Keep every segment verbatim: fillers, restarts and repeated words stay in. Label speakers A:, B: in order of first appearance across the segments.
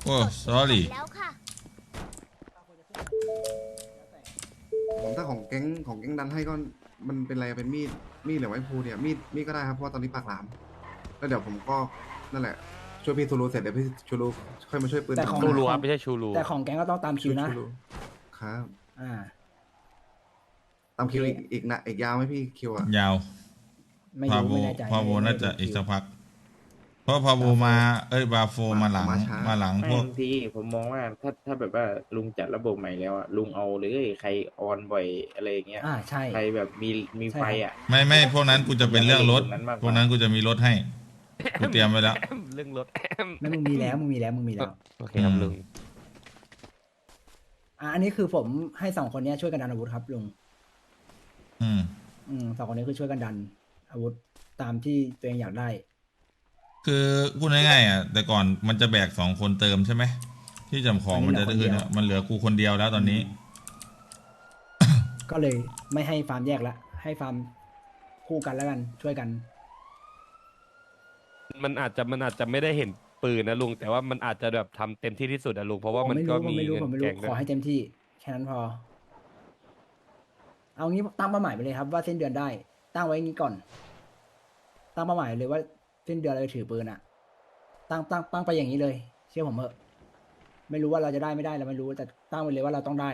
A: โอ้ sorry
B: แล้วค่ะ
C: ผมถ้าของแก๊งของแก๊งดันให้ก็มันเป็นอะไรเป็นมีดมีดหรือไม้พลูเนี่ยมีดมีดก็ได้ครับเพราะว่าตอนนี้ปากหลามแล้วเดี๋ยวผมก็นั่นแหละช่วยพี่ทูรูเสร็จเดี๋ยวพี่ชูรูค่อยมาช่วยปืน
D: แต่ของ
E: ชูรูครับไม่ใช่ชูรู
D: แต่ของแก๊งก็ต้องตามคิ
C: ชู
D: วนะ
C: ชูรูครับ
D: อ่า
C: ตามคิวอีกอีกนะอีกยาวไหมพี่คิวอะ
A: ยาว
D: ไม่
A: พา
D: รู้
A: โว
D: ไม่แน่ใจ
A: พาโว
D: ไม่
A: น่าจะ
D: ไม่รู้
A: อีก
D: คิว
A: สักพัก เพราะพาโวมาเอ้ยบาโฟมาหลังมาหลัง
F: ไม่
A: พวก
F: บางทีผมมองว่าถ้าถ้าแบบว่าลุงจัดระบบใหม่แล้วอะลุงเอาเลยใครออนบ่อยอะไรอย่างเงี้ย
D: อ่าใช่
F: ใครแบบมีมี
D: ใช่
F: ไฟ
D: ครับ
F: อ่ะ
A: ไม่ไม่พวกนั้นกูจะเป็นเรื่องรถ
F: ตรงนั้นมากกว่า
A: พวกนั้นกูจะมีรถให้กูเตรียมไว้แล้ว
E: เรื่องรถ
D: ไม่มึงมีแล้วมึงมีแล้วมึงมีแล้ว
E: โอเคครับลุง
D: อ่าอันนี้คือผมให้สองคนเนี้ยช่วยกันดันอาวุธครับลุง
A: อืม
D: อืมสองคนนี้คือช่วยกันดันอาวุธตามที่ตัวเองอยากได้
A: คือพูดง่ายๆอ่ะแต่ก่อนมันจะแบกสองคนเติมใช่ไหมที่จำของมันจะได้คือเนี่ยมันเหลือกูคนเดียวแล้วตอนนี้
D: ก็เลยไม่ให้ฟาร์มแยกละให้ฟาร์มคู่กันแล้วกันช่วยกัน
E: มันอาจจะมันอาจจะไม่ได้เห็นปืนนะลุงแต่ว่ามันอาจจะแบบทำเต็มที่ที่สุดอะลุงเพราะว่า
D: ผม
E: มัน
D: ไม่
E: ก็
D: รู้ผม
E: มี
D: ไม่รู้
E: เงิ
D: ผม
E: น
D: ไม่
E: แก
D: รู้
E: ง
D: ข
E: ด้
D: อ
E: วย
D: ให้เต็มที่แค่นั้นพอ เอางี้ตั้งเป้าหมายไปเลยครับว่าสิ้นเดือนได้ ตั้งไว้งี้ก่อน ตั้งเป้าหมายเลยว่าสิ้นเดือนเราจะถือปืนอะตั้งตั้งตั้งไปอย่างนี้เลย เชื่อผมเถอะไม่รู้ว่าเราจะได้ไม่ได้เราไม่รู้แต่ตั้งไว้เลยว่าเราต้องได้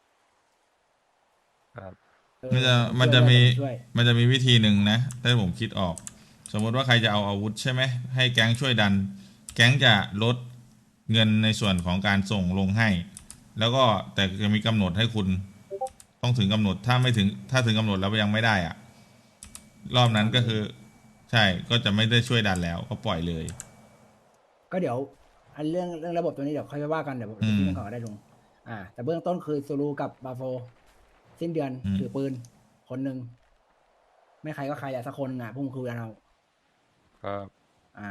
E: ครับ
D: เออ
A: มันจะ
D: ผ
A: มันจะมี
D: ช่วย
A: มันจะมีวิธีหนึ่งนะถ้าผมคิดออก สมมติว่าใครจะเอาอาวุธใช่ไหมให้แก๊งช่วยดัน แก๊งจะลดเงินในส่วนของการส่งลงให้ แล้วก็แต่จะมีกำหนดให้คุณ ต้องถึงกำหนดถ้าไม่ถึงถ้าถึงกำหนดแล้วยังไม่ได้อะรอบนั้นก็คือ ใช่ก็จะไม่ได้ช่วยดันแล้วก็ปล่อยเลย
D: ก็เดี๋ยว อันเรื่องเรื่องระบบตัวนี้เดี๋ยวค่อยไปว่ากันเดี๋ยวผม
A: อืม
D: คิดกันก่อนก็ได้ลุงอ่า แต่เบื้องต้นคือซูรูกับบาโฟ สิ้นเดือน
A: อืม
D: ถือปืน คนหนึ่งไม่ใครก็ใครอะสักคนอ่ะพุ่งคุยกันเอา
E: ครับ
D: อ่า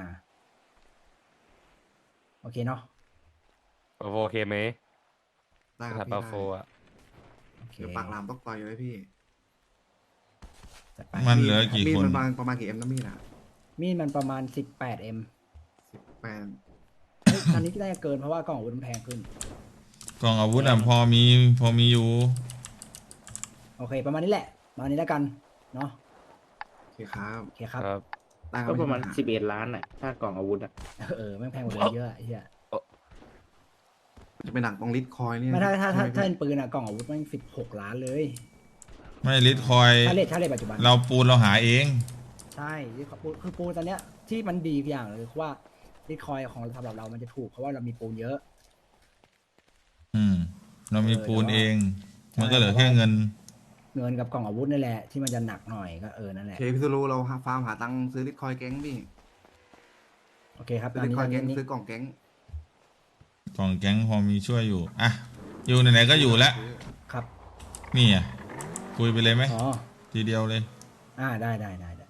D: โอเคเนาะ
E: โอเคไหม
C: ได้ค
E: ค
C: รั
E: รั
C: บบ พี่
E: บา
C: ได้
E: โฟอะ
D: โอเค
C: เดี๋ยวปากหลามต้องต่อยเลยพี่
D: จัดไป
A: มันเหลือกี่
C: มีด
A: คน
C: มันประมาณประมาณกี่เอ็มนะมีดอะ
D: มีดมันประมาณสิบแปดเอ็ม
C: สิบแปด
D: อันนี้ได้เกินเพราะว่ากล่องอาวุธมันแพงขึ้น
A: กล่องอาวุธอ่ะพอมีพอมีอยู่
D: โอเค ประมาณนี้แหละประมาณนี้แล้วกัน เนาะ
C: โอเคครับ
D: โอเคครับ
E: ครับ
C: ได้คบ
F: ก็ประมาณ
C: ไปัญห
F: สิบเอ็ดล้านอ่ะถ้ากล่องอาวุธอ่ะ
D: เออแม่งแพงกว่าเดิมเยอะอะไอ้เฮีย
C: จะเป็นหนักตรงลิดคอยเนี่ย
D: ไม่ถ้าถ้าถ้า
C: ใช่ไหม
D: ถ้า
C: พี่
D: เป็นปืนอะกล่องอาวุธแม่งสิบหกล้านเลย
A: ไม่ลิทคอย
D: ถ้าเลทถ้าเลทปัจจุบัน
A: เราปูนเราหาเอง
D: ใช่ที่เขาปูคือปูนตอนเนี้ยที่มันดีอย่างเลยคือว่าบิตคอยของสำหรับเรามันจะถูกเพราะว่าเรามีปูนเยอะ
A: อืม เรามีปูนเอง
D: ใช่
A: มันก็เหลือแค่เงิน
D: เงินกับกล่องอาวุธนี่แหละที่มันจะหนักหน่อยก็เออนั่นแห
C: โอ
D: ละ
C: เคพี่ซูรูเราหาฟาร์มหาตังค์ซื้อลิดคอยแก๊งพี่
D: โอเคครับ
C: ซื้
D: ตา
C: อ
D: ม
C: ลิด
D: นี้
C: คอย
D: ตาม
C: แก๊ง
D: นี้
C: ซื้อกล่องแก๊ง
A: ของแก๊งพอมีช่วยอยู่ อ่ะ อยู่ไหนๆก็อยู่แล้ว
D: ครับ
A: นี่อ่ะ คุยไปเลยไหม
D: อ๋อ
A: ทีเดียวเลย
D: อ่าได้ได้ได้ได้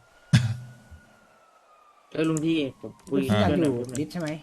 F: เออลุงพี่ผมคุย
D: ที่อยาก
F: ด้วย
D: อ
F: หน่
D: ยู่
F: อย
D: ลิสใช่ไหม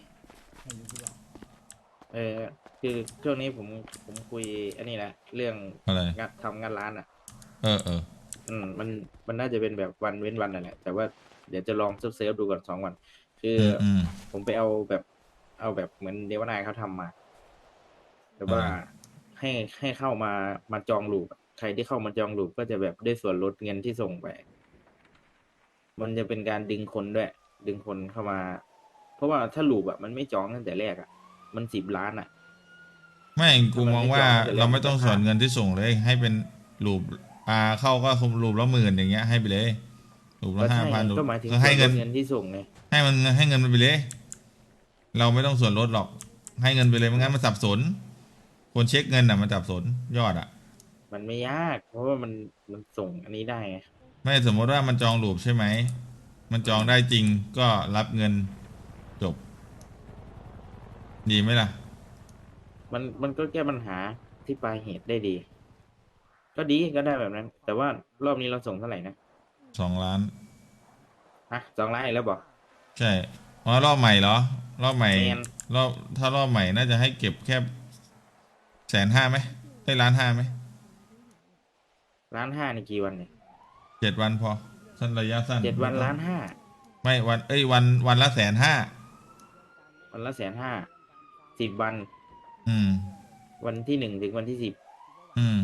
F: เออคือช่วงนี้ผมผมคุยอันนี้แหละเรื่อง
A: อะไร
F: งานทำงานร้านอ่ะ
A: เออเออ
F: อืมมันมันน่าจะเป็นแบบวันเว้นวันนั่นแหละแต่ว่าเดี๋ยวจะลองเซิร์ฟเซิร์ฟดูก่อนสองวัน คือ
A: อืม
F: อ
A: อืม
F: ผมไปเอาแบบเอาแบบเหมือนเดวานายเขาทำมาแต่ว่า
A: อะไร
F: ให้ให้เข้ามามาจองลูปอะใครที่เข้ามาจองลูปก็จะแบบได้ส่วนลดเงินที่ส่งไป มันจะเป็นการดึงคนด้วย ดึงคนเข้ามา เพราะว่าถ้าลูปอ่ะมันไม่จองตั้งแต่แรกอ่ะ มันสิบล้านอ่ะ
A: ไม่กูมองว่าเราไม่ต้องส่วนเงินที่ส่งเลย ให้เป็นรูปอ่าเข้าก็คุมรูปละหมื่นอย่างเงี้ยให้ไปเลยรูป
F: ก็
A: ละห้า
F: ใช่
A: พันรูป
F: ก็หมายถึง
A: ก็ให้เงิน
F: ส่วนลดเงินที่ส่งไง
A: ให้มันให้เงินมันไปเลย เราไม่ต้องส่วนลดหรอก ให้เงินไปเลยไม่งั้นมันสับสน คนเช็คเงินอ่ะมันสับสนยอดอ่ะ
F: มันไม่ยาก เพราะว่ามันมันส่งอันนี้ได้ไง
A: ไม่สมมติว่ามันจองรูปใช่ไหม มันจองได้จริงก็รับเงินจบ ดีไหมล่ะ
F: มันมันก็แก้ปัญหาที่ปลายเหตุได้ดี ก็ดีก็ได้แบบนั้น แต่ว่ารอบนี้เราส่งเท่าไหร่นะ
A: สองล้าน
F: ฮะสองล้านอีกแล้วบอก
A: ใช่เพราะรอบใหม่เหรอ รอบใหม่
F: แมน
A: รอบถ้ารอบใหม่น่าจะให้เก็บแค่แสนห้าไหมได้ล้านห้าไหม
F: ล้านห้าในกี่วันเนี่ย
A: เจ็ดวันพอสั้นระยะสั้น
F: เจ็ดวันล้านห้า
A: ไม่วันเอ้ยวันวันละแสนห้า
F: วันละแสนห้าสิบวัน
A: อืม
F: วันที่หนึ่งถึงวันที่สิบ
A: อืม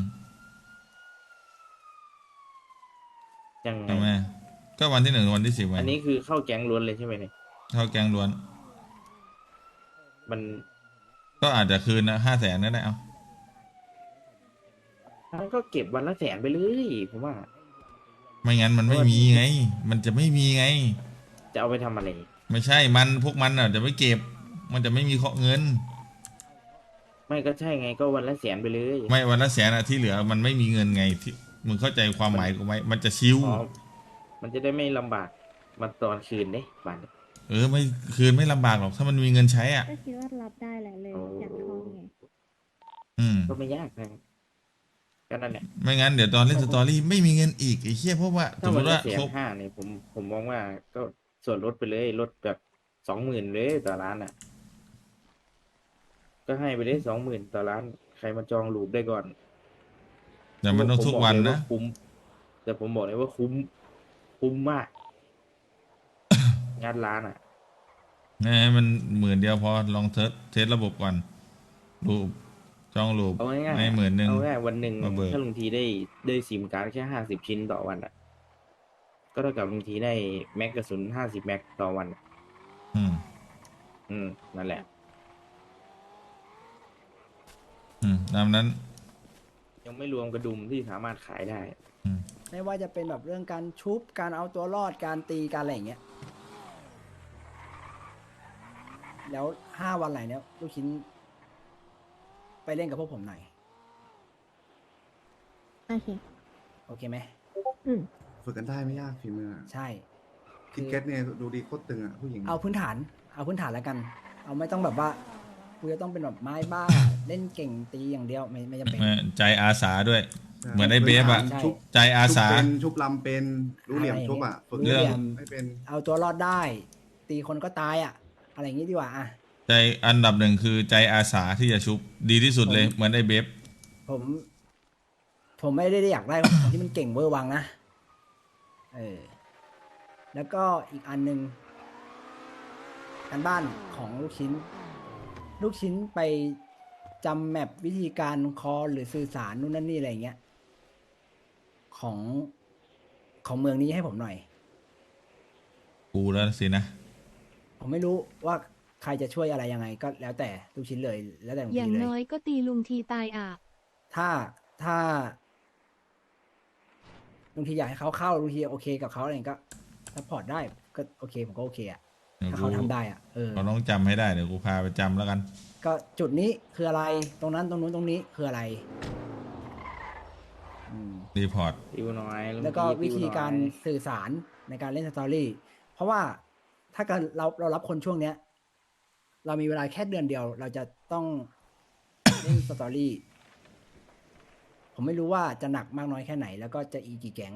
F: ยังไง
A: ทำไมก็วันที่หนึ่งถึงวันที่สิบไง
F: อันนี้คือเข้าแก๊งล้วนเลยใช่ไหมเนี่ย
A: เข้าแกงล้วน
F: มัน
A: ก็อาจจะคืนนะห้าแสนก็ได้เอา
F: มันก็เก็บวันละแสนไปเลยผมว่า
A: ไม่งั้นมันไม่มีไง มันจะไม่มีไง
F: จะเอาไปทำอะไร
A: ไม่ใช่มันพวกมันอ่ะจะไม่เก็บ มันจะไม่มีเงิน
F: ไม่ก็ใช่ไงก็วันละแสนไปเลย
A: ไม่วันละแสนอ่ะที่เหลือมันไม่มีเงินไงที่มึงเข้าใจความหมายกูไหมมันจะชิว
F: อ๋อมันจะได้ไม่ลำบากมาตอนคืนเด้บัตร
A: เออไม่คืนไม่ลำบากหรอกถ้ามันมีเงินใช้อ่ะ
B: ก็คิดว่ารับได้แหละเลย
F: โอ้
B: อยากทองไง
A: อืม
F: ก็ไม่ยากนะก็นั่นแหละ
A: ไม่งั้นเดี๋ยวตอนเล่นสตอรี่ไม่มีเงินอีกไอ้เหี้ยเพราะว่าส
F: ถ้าม
A: ม
F: วัน
A: ติ
F: ละ
A: ว่า
F: แส
A: คน รบ
F: ห้าเนี่ยผมผมมองว่าก็ส่วนลดไปเลยลดแบบสองหมื่นเลยต่อร้านอ่ะ ก็ให้ไปได้สองหมื่นต่อร้าน ใครมาจองลูปได้ก่อน
A: แต่มันต้องทุกวัน
F: ผมบอเลย
A: นะ
F: ว่าคุ้ม แต่ผมบอกเลยว่าคุ้ม คุ้มมาก งานร้านอ่ะ
A: ให้มันหมื่นเดียวพอลองเทสเทสระบบก่อนรูปจองรูป
F: เอาง่ายๆ
A: ให้หมื่นหนึ่ง
F: เอาง่ายๆวันหนึ่ง
A: มาเบิก
F: ถ้าลุงทีได้ได้ซิมการ์ดแค่ห้าสิบชิ้นต่อวันอ่ะ ก็เท่ากับลุงทีได้แม็กกระสุนห้าสิบแม็กต่อวันอะ
A: อืม
F: อืม นั่นแหละ
A: อืมตามนั้น
F: ยังไม่รวมกระดุมที่สามารถขายได้
A: อืม
D: ไม่ว่าจะเป็นแบบเรื่องการชุบการเอาตัวรอดการตีการอะไรอย่างเงี้ย แล้วห้าวันไหนเนี้ยลูกชิ้น ไปเล่นกับพวกผมหน่อย
B: โอเค
D: โอเคไหม
B: อืม
C: ฝึกกันได้ไม่ยากฝีมืออะ
D: ใช่
C: คิดเก็ตเนี่ยดูดีโคตรตึงอ่ะผู้หญิง
D: เอาพื้นฐาน เอาพื้นฐานแล้วกัน เอาไม่ต้องแบบว่ากูจะต้องเป็นแบบไม้บ้า เล่นเก่งตีอย่างเดียวไม่ไม่จำเป็น
A: ใจอาสาด้วย
C: ใช่
A: เหมือนไอ้เบฟอะ
D: ใช่
C: ชุบ
A: ใจอาสา
C: ชุบเป็นชุบลำเป็นรู้เหลี่ยมชุบอ่ะฝึก
A: เรื่อง
C: ไม่เป็น
D: เอาตัวรอดได้ ตีคนก็ตายอ่ะ อะไรอย่างงี้ดีกว่าอ่ะ
A: ใจอันดับหนึ่งคือใจอาสาที่จะชุบดีที่สุดเลย
D: ผม
A: เหมือนไอ้เบฟ
D: ผม ผมไม่ได้อยากได้ของที่มันเก่งเวอร์วังนะ เออ แล้วก็อีกอันหนึ่งการบ้านของลูกชิ้น ลูกชิ้นไปจำแมปวิธีการคอลหรือสื่อสารนู่นนั่นนี่อะไรอย่างเงี้ย ของของเมืองนี้ให้ผมหน่อย
A: กูแล้วสินะ
D: ผมไม่รู้ว่าใครจะช่วยอะไรยังไง ก็แล้วแต่ลูกชิ้นเลย แล้วแต่ลุง
G: อ
D: ที
G: ย่าง
D: เลย
G: น้อยก็ตีลุงทีตายอ่ะ
D: ถ้าถ้าลุงทีอยากให้เขาเข้าลุงทีโอเคกับเขาอะไรก็ซัพพอร์ตได้ก็โอเคผมก็โอเคอะถ้าเขาทำได้อะเออ
A: เราต้องจำให้ได้เดี๋ยวกูพาไปจำแล้วกัน
D: ก็จุดนี้คืออะไรตรงนั้นตรงนู้นตรงนี้คืออะไรอืม
A: รีพอร์ต
F: ติวน้อยลุง
D: แล้วก็
F: ที
D: วิธี
F: ติน้อย
D: การสื่อสารในการเล่นสตอรี่เพราะว่าถ้าเกิดเราเรารับคนช่วงเนี้ย เรามีเวลาแค่เดือนเดียว เราจะต้อง เล่นสตอรี่ผมไม่รู้ว่าจะหนักมากน้อยแค่ไหน แล้วก็จะอีกี่แก๊ง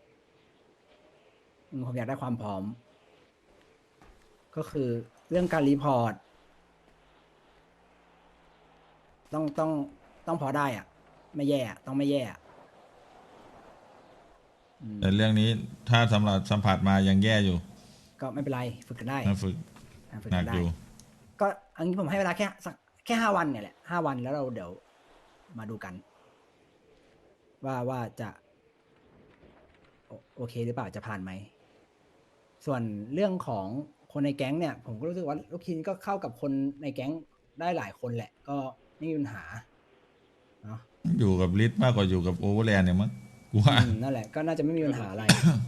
D: อืมผมอยากได้ความพร้อม ก็คือเรื่องการรีพอร์ต ต้องต้องต้องพอได้อ่ะ ไม่แย่อะต้องไม่แย่อะอืม
A: แต่เรื่องนี้ถ้าสำหรับสัมผัสมายังแย่อยู่
D: ก็ไม่เป็นไร ฝึกกันได้
A: นะฝึก
D: อ่ะฝึก
A: หนั
D: กั
A: ก
D: นได้
A: อยู่
D: ก็อันนี้ผมให้เวลาแค่สักแค่ห้าวันเนี่ยแหละห้าวันแล้วเราเดี๋ยวมาดูกัน ว่าว่าจะโอโอเคหรือเปล่าจะผ่านไหม ส่วนเรื่องของคนในแก๊งเนี่ย ผมก็รู้สึกว่าลูกคินก็เข้ากับคนในแก๊งได้หลายคนแหละ ก็ไม่มีปัญหาเนาะ
A: อยู่กับลิทมากกว่าอยู่กับโอเวอร์แลนด์เนี่ยมั้งกูว่า
D: อืมนั่นแหละก็น่าจะไม่มีปัญหาอะไร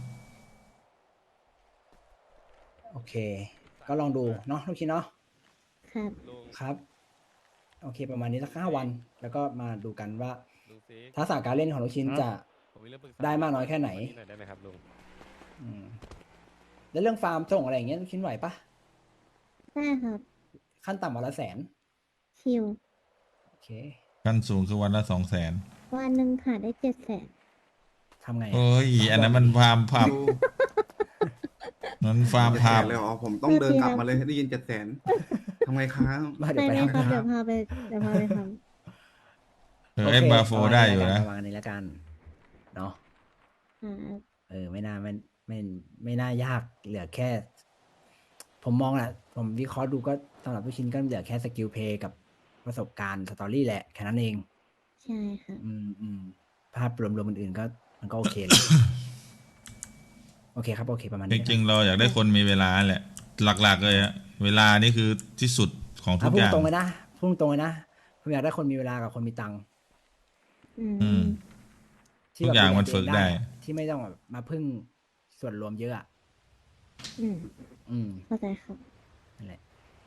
D: โอเค ก็ลองดูเนาะลูกคินเนาะ
B: ครับ
E: ลุง
D: ครับ โอเค ประมาณนี้สักห้าวัน แล้วก็มาดูกันว่า
E: ลุงซี
D: ทักษะการเล่นของลูกชิ้นจะ
E: ผมมีเรื่องปรึกษา
D: ได้มากน้อยแค่ไหน
E: วัหน่อยได้ไหมครับลุง
D: อืมแล้วเรื่องฟาร์มส่งอะไรอย่างเงี้ยลูกชิ้นไหวปะ
B: ได้ครับ
D: ขั้นต่ำวันละแสน
B: ชิว
D: โอเค
A: ขั้นสูงคือวันละสองแสน
B: วันหนึ่งขาดได้เจ็ดแสน
D: ทำไงอะ
A: โอ้ย อันนั้นมันฟาร์มผับ
C: ดู
A: นั้นฟาร์ม
C: เจ็ดแส
A: ผับ
C: นเลยเหรอผมต้องเดินกลับมาเลยได้ยินเจ็ดแสนทำไงครับ
D: มาเดี๋ยว
B: ไป
D: ไป
B: เลย
D: ทำ
B: ครับ
D: งาน
B: เดี๋ยวพาไปเดี๋ยวพาไปท
A: เออเอ็มบาโฟได้อยู่นะ
D: ประมาณนี้แล้วกันเนาะ
B: ำอ่า
D: เออ ไม่น่าไม่ไม่ไม่น่ายากเหลือแค่ผมมองแหละผมวิเคราะห์ดูก็สำหรับลูกชิ้นก็เหลือแค่สกิลเพลย์กับประสบการณ์สตอรี่แหละแค่นั้นเอง
B: ใช่ค่ะ
D: อืมอืมภาพรวมๆอื่นๆก็มันก็โอเคเลย โอเคครับโอเคประมาณ
A: จ
D: นี้
A: ริงๆเราอยากได้คนมีเวลาแหละ หลักๆเลยอะเวลานี่คือที่สุดของทุ
D: อ่ะ
A: ก
D: พู
A: อ
D: ด
A: ย่าง
D: ตรงเลยนะพูดตรงเลยนะผมอยากได้คนมีเวลากับคนมีตังค์
B: อื
A: อืม
B: ม
D: ที่
A: ทุก
D: แบบ
A: อย่าง
D: ดูแล
A: มัน
D: ตัว
A: ฝึ
D: เอก ง
A: ได้
D: อะที่ไม่ต้องแบบมาพึ่งส่วนรวมเยอะอะ
B: อืม
D: อืม
B: เข้าใจครับ
D: นั่นแหละ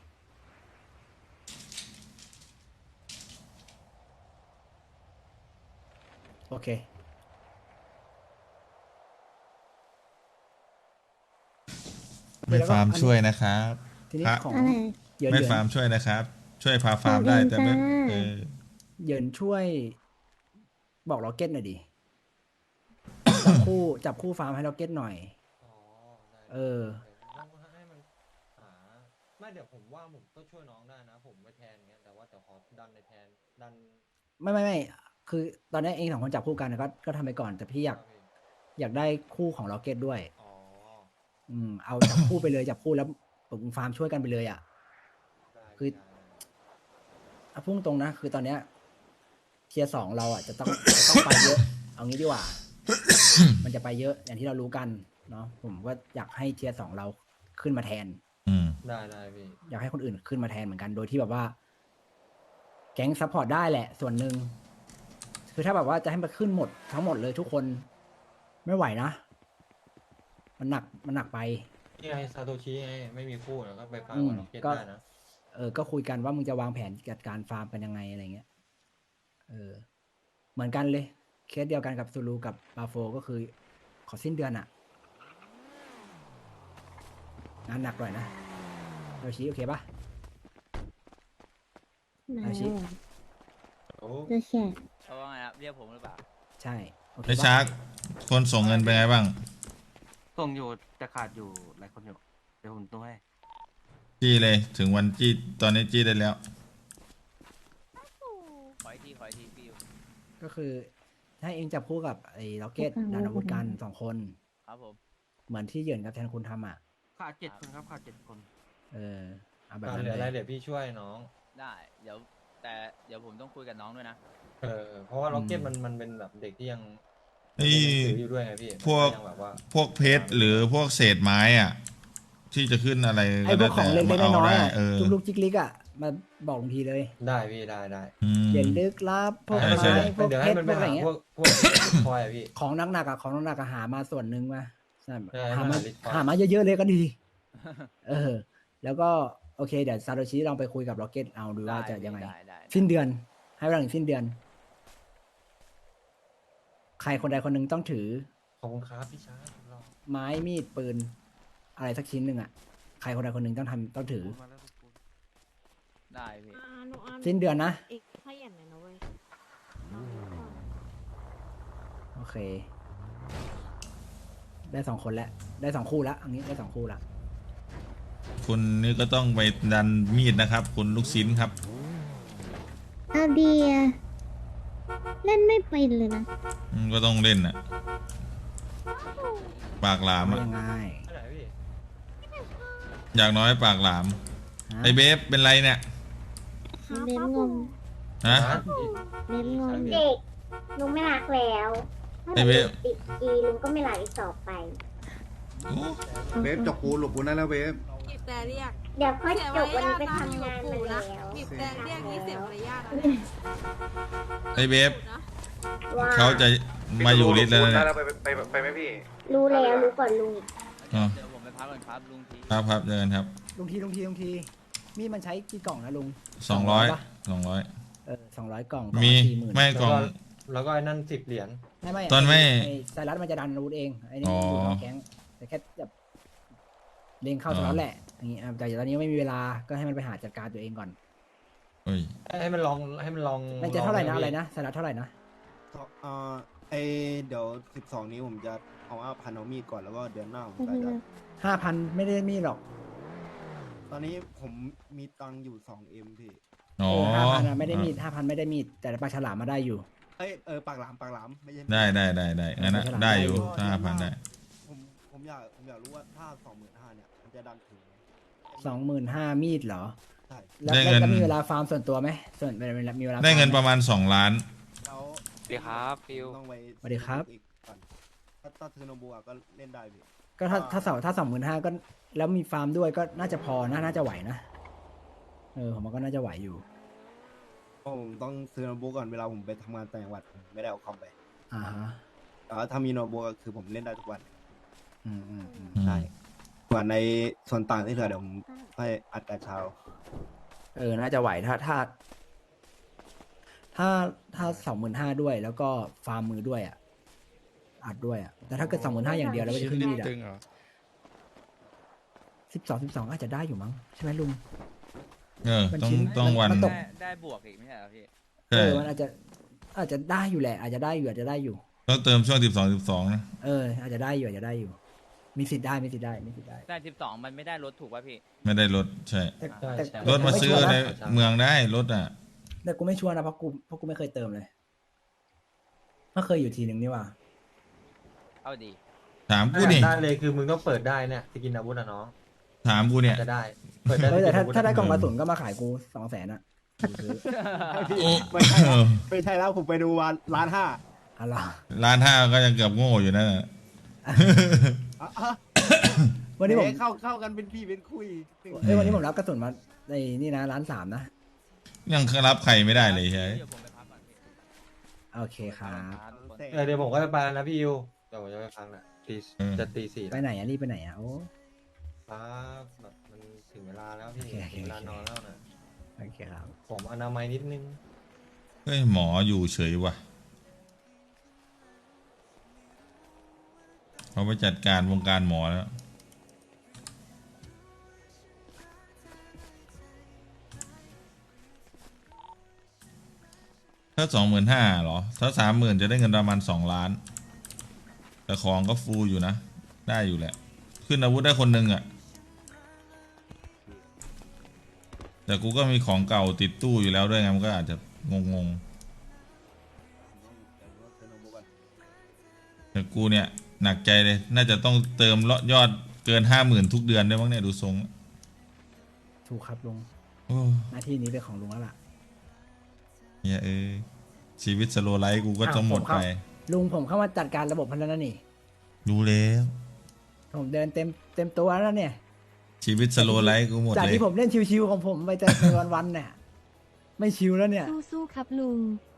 D: โอเค
A: ไม่ฟาร์มช่วยนะครับ
D: ทีนี้
A: พระ
D: ของ
B: อะไร
D: เหยิน
A: ไม่
D: เหยิน
A: ฟาร์มช่วยนะครับ ช่วยพาฟาร์ม
B: ขอ
A: ได้
B: เอง
A: แต่ไม่
B: จ้า
A: เออ
D: เหยินช่วย บอกล็อกเก็ตหน่อยดิ จับคู่จับคู่ฟาร์มให้ล็อกเก็ตหน่อย
H: อ๋อได้
D: เออ
H: ต้องให้มันหาไม่เดี๋ยวผมว่าผมก็ช่วยน้องได้นะ ผมไปแทนเงี้ยแต่ว่าแต่ขอดันในแทนดัน
D: ไม่ไม่ไม่คือ ตอนนี้เองสองคนจับคู่กันก็ก็ทำไปก่อนแต่พี่อยาก
H: ครับพี่
D: อยากได้คู่ของล็อกเก็ตด้วย
H: อ๋อ
D: อืมเอาจับคู่ไปเลยจับคู่แล้วผมฟาร์มช่วยกันไปเลยอ่ะ
H: ได้
D: คือ
H: ได้ได้
D: เอาพุ่งตรงนะ คือตอนเนี้ยเทียร์สองเราอ่ะจะต้อง จะต้องไปเยอะ เอางี้ดีกว่า มันจะไปเยอะอย่างที่เรารู้กันเนาะผมก็อยากให้เทียร์สองเราขึ้นมาแทน
A: อืม
H: ได้ได้พี่
D: อยากให้คนอื่นขึ้นมาแทนเหมือนกัน โดยที่แบบว่า แก๊งซัพพอร์ตได้แหละ ส่วนหนึ่งคือถ้าแบบว่าจะให้มันขึ้นหมดทั้งหมดเลยทุกคนไม่ไหวนะ มันหนักมันหนักไป
H: นี่ไงซาโตชิไงไม่มีคู่แล้วก็ไปฟัง
D: อืม
H: กับล็อกเก็ต
D: ก็
H: ได้นะ
D: เออ ก็คุยกันว่ามึงจะวางแผนจัดการฟาร์มกันยังไงอะไรเงี้ย เออ เหมือนกันเลย เคสเดียวกันกับซูรูกับบาโฟก็คือ ขอสิ้นเดือนอะงานหนักหน่อยนะโยชิโอเคปะ
B: มา
D: อาชิ
B: แล้ว
H: โอ้
B: เจอแชร์
I: เขาว่าไงครับเรียกผมหรือเปล่า
D: ใช่ โอเค
A: ไอ้
D: ปะ
A: ชาร์กคนส่งเงินเป็นไงบ้าง
J: ส่งอยู่แต่ขาดอยู่หลายคนอยู่เดี๋ยวผมต้องให้
A: จี้เลย ถึงวันจี้ ตอนนี้จี้ได้แล้ว
I: ขออีกทีขออีกทีพี่อยู่
D: ก็คือให้เองจับคู่กับไอ้ล็อกเก็ตดานอาวุธกันสองคน
I: ครับผม
D: เหมือนที่เหยินกับแทนคุณทำอ่ะ
J: ขาดเจ็ดคนครับขาดเจ็ดคน
D: เออ เอาแบบ
H: อ่ะ
D: นั้น
H: เหลืออะไร
D: เลย
H: เดี๋ยวพี่ช่วยน้อง
I: ได้ เดี๋ยว แต่เดี๋ยวผมต้องคุยกับน้องด้วยนะ
H: เออเพราะว่าล็อกเก็ตมันมันเป็นแบบเด็กที่ยัง
A: เอ้ย
H: เรียนหนังสืออยู่ด้วยไงพี่
A: พวก
H: มันยังแบบว่า
A: พวกเพชรหรือพวกเศษไม้อ่ะ ที่จะขึ้นอะไร
D: ไอ้พวกของเล็ก
A: มา
D: ๆน้อยๆ
A: ได้
D: อ่ะ
A: เออ
D: จุกลุกจิกลิกอ่ะ มาบอกลุงทีเลย
H: ได้พี่ได้ได้
A: อืม
D: เหยินลึกลับพวก
A: ใช่
D: ไม้
A: ใช่
D: พวก
H: เดี๋ยว
D: เพ
H: ให้
D: ชร
H: มัน
D: พ
H: ไป
D: วกอะไร
H: หา
D: เงี้ย
H: พวกพวกคอยอะพี่
D: ของหนักๆอ่ะของหนักๆอ่ะหามาส่วนหนึ่งมาใช่
H: ใช่
D: หามา
H: หาลิตร
D: หามาเยอะๆเลยก็ดี เออ แล้วก็โอเคเดี๋ยวซาโตชิลองไปคุยกับล็อกเก็ตเอาดูว่าจะยังไง
I: ได้ได้ได้
D: สิ้นเดือน ให้เวลาถึงสิ้นเดือน ใครคนใดคนหนึ่งต้องถือ
H: ขอบคุณครับพี่ชายรอ
D: ไม้มีดปืน อะไรสักชิ้นหนึ่งอ่ะ ใครคนใดคนหนึ่งต้องทำต้องถือ
J: มาแล้วทุกคน
I: ได้พี่
D: สิ้นเดือนนะ
K: อีกขยันหน่อยนะเว้ย
D: โอเค ได้สองคนแล้ว ได้สองคู่แล้วอันนี้ได้สองคู่ละ
A: คุณนี่ก็ต้องไปดันมีดนะครับ คุณลูกชิ้นครับ
B: เอาเดียเล่นไม่เป็นเลยนะ
A: อืมก็ต้องเล่นอ่ะ ปากหลาม
D: ไม่
A: อ่ะ
D: ยังไง
H: อันไหนพี่
A: อย่างน้อยปากหลาม
D: ฮะ
A: ไอเบฟเป็นไรเนี่ย
B: เล่นงง
A: ฮะ
B: เล่นงง
L: เด็กลุงไม่รักแล้วถ้า
A: ไอ้เว็บ
L: ติดกีลุงก็ไม่รักอีกต่อไป
A: โอ้
C: เวฟจกปูหลบปูได้แล้วเวฟ
K: บีบแต่เรียก
L: เดี๋ยวค่อยจบวันนี้ไป
K: เสีย
L: ทำงาน
K: มาร
L: มาย
K: าท
L: แล้ว
K: นะบีบแต่เรียกนี่เสียมารยาทนะ
A: ไอเบฟ
K: นะ
L: ว่า
A: เขาจะมาอยู่ลิสต์แล้วเนี่ย
C: ไปไปไปไหมพี่
L: รู้แล้วรู้ก่อนลุงอีก
A: อ๋อ
I: เดี๋ยวผมไปพักก่อนครับลุงที
A: ครับครับเจอกันครับ
D: ลุงทีลุงทีลุงที มีดมันใช้กี่กล่องนะลุง
A: สองร้อย
D: ปะ
A: สองร้อย
D: เออสองร้อยกล่อง
A: มี
D: สี่หมื่น
A: ไม่
H: แล้ว
A: กล่
H: ก็
A: อง
H: แล้วก็ไอ้นั่นสิบเหรียญ
D: ไม่ไม่
A: ตอนไม่
D: ไอ้ไซรัสมันจะดันอาวุธเองไอ้นี่
A: อ๋อ
D: อยู่นอกแก๊งแต่แค่แบบเล็งเข้า
A: อ๋อ
D: ไซรัสแหละอย่างงี้อ่ะแต่ตอนนี้ไม่มีเวลาก็ให้มันไปหาจัดการตัวเองก่อน
A: เฮ้ย
H: ให้มันลองให้มันลอง
D: มันจะเท่าไหร่นะ
H: ลง
D: อะไรนะไซรัสเท่าไหร่นะ
M: เอ่อไอเดี๋ยวสิบสองนี้ผมจะเอาอาพันเอามีดก่อนแล้วก็เดือนหน้าผม
B: ก็
M: ก็
B: คือ
M: จะ
D: ห้าพันไม่ได้มีหรอก
M: ตอนนี้ผมมีตังค์อยู่สองเอ็มพี่
A: อ๋อ
D: เออห้าพันไม่ได้มีดห้าพันไม่ได้มีดแต่ปลาฉลามมาได้อยู่
M: เอ้ยเออปากหลามปากหลามไม่ใช่
A: ได้ได้ได้ได้งั้นนะ
D: ไม่เป็นไร
A: ได้อยู่ห้าพันได้
M: ผมผมอยากผมอยากรู้ว่าถ้าสองหมื่นห้าเนี่ยมันจะดันถึงไหม
D: สองหมื่นห้ามีดเหรอ
M: ใช่
D: แล้ว
A: ได้
D: แล้ว
A: เงิน
D: แล้วมีเวลาฟาร์มส่วนตัวไหมส่วนเวลามีเวลา
A: ได้เงิน
D: ฟา
A: ป
D: ร์ม
A: ระมาณสองล้าน
M: แล้ว
E: สวัสดีครับฟิว
M: ต้องไป
D: สวัสดีครับ
M: อีกก่อนถ้าถ้าเทอร์โนบัวก็เล่นได้พี่
D: ก็ถ้าถ้าสองถ้าสองหมื่นห้าก็แล้วมีฟาร์มด้วยก็น่าจะพอนะน่าจะไหวนะเออผมว่าก็น่าจะไหวอยู่
M: ผมต้องซื้อโน้ตบุ๊กก่อนเวลาผมไปทำงานต่างจังหวัดผมไม่ได้เอาคอมไป
D: อ่าฮะ
M: แต่ว่าถ้ามีโน้ตบุ๊กก็คือผมเล่นได้ทุกวัน
D: อืมอืมอืม
M: ใช่ส่วนในส่วนต่างที่เหลือเดี๋ยวผมให้อัดกระเช้า
D: เออน่าจะไหวถ้าถ้า ถ้าถ้าสองหมื่นห้าด้วย แล้วก็ฟาร์มมือด้วยอ่ะอัดด้วยอ่ะแต่ถ้าเกิดสองหมื่นห้าอย่างเดียวแล้วก็จะขึ้นมีดอ่ะสิบสองสิบสองอาจจะได้อยู่มั้งใช่ไหมลุง
A: เออ
D: มัน
A: ต้อง
D: ชิ้น
A: ต้องวัน
D: มันตก
I: ได้ได้บวกอีกไม่ใช่เหรอพี่
D: เอ
A: ใช่
D: อมันอาจจะอาจจะได้อยู่แหละ อาจจะได้อยู่อาจจะได้อยู่
A: ต้องเติมช่วงสิบสองสิบสองนะ
D: เออ อาจจะได้อยู่อาจจะได้อยู่ มีสิทธิ์ได้มีสิทธิ์ได้มีสิทธิ์ได้
I: ได้สิบสองมันไม่ได้ลดถูกป่ะพี่
A: ไม่ได้รถใช่
D: แต่แต่
A: รถมาซื้อในเมืองได้รถอ่ะ
D: แต่กูไม่ชัวร์นะเพราะกูเพราะกูไม่เคยเติมเลยไม่เคยอยู่ทีหนึ่งนี่หว่า
I: เอาดี
A: ถามกูนี่
H: ได้เลยคือมึงต้องเปิดได้เนี่ยสกินอาวุธอะน้อง
A: ถามกูเนี่ย
H: จะได้ เปิดได้
D: เออแต่ถ้า
H: สกินอาวุธ
D: ถ้าได้กล่องกระ
A: เออ
D: สุนก็มาขายกูสองแสนอ่ะกูซื้อ
M: ไม่ใช่แล้วไม่ใช่แล้วผมไปดูวันร้านห้า
D: อะไร
A: ร้านห้าก็ยังเกือบโง่อยู่นั่นน่ะ
M: อ่ะอ่ะ
D: วันนี้ผม
M: เอ๊ะเข้าเข้ากันเป็นพี่เป็นคุย
D: เอ้ยวันนี้ผมรับกระสุนมาในนี่นะร้านสามนะ
A: ยังรับใครไม่ได้เลยใช่ไหม
I: เดี๋ยวผมไปพักก่อนพี่
D: โอเคครับ
I: ครับทุกคน
H: เออเดี๋ยวผมก็จะไปแล้วนะพี่ยูเดี๋ยวผมจะไปพักนะตีจะตีสี่
D: ไปไหนอ่ะรีบไปไหนอ่ะโอ้
H: ครับแบบมันถึงเวลาแล้วพี่
D: โอเคโอเค
H: ถึงเวลานอนแล้วนะ
D: โอเคครับ
H: ผมอนามัยนิดนึง
A: เฮ้ยหมออยู่เฉยว่ะเขาไปจัดการวงการหมอแล้ว ถ้าสองหมื่นห้าหรอ ถ้าสามหมื่นจะได้เงินประมาณสองล้าน แต่ของก็ฟูอยู่นะ ได้อยู่แหละ ขึ้นอาวุธได้คนหนึ่งอะ่ะ แต่กูก็มีของเก่าติดตู้อยู่แล้วด้วยไงมันก็อาจจะงงงๆแต่กูเนี่ย หนักใจเลย น่าจะต้องเติมยอดเกินห้าหมื่นทุกเดือนด้วยมั้งเนี่ยดูทรง
D: ถูกครับลุง
A: โอ้
D: หน้าที่นี้เป็นของลุงแล้วล่ะ
A: เหี้ยเอ้ยชีวิตสโลไลฟ์กูก็ต้องหมดไป
D: ลุงผมเข้ามาจัดการระบบพันแล้วนะนี่
A: รู้แล้ว
D: ผมเดินเต็มเต็มตัวแล้วเนี่ย
A: ชีวิตสโลไลฟ์กูหมด
D: จาก
A: เลย
D: ที่ผมเล่นชิวๆของผมไปแต่วันๆเนี่ยไม่ชิวแล้วเนี่ย
G: สู้ๆครับลุง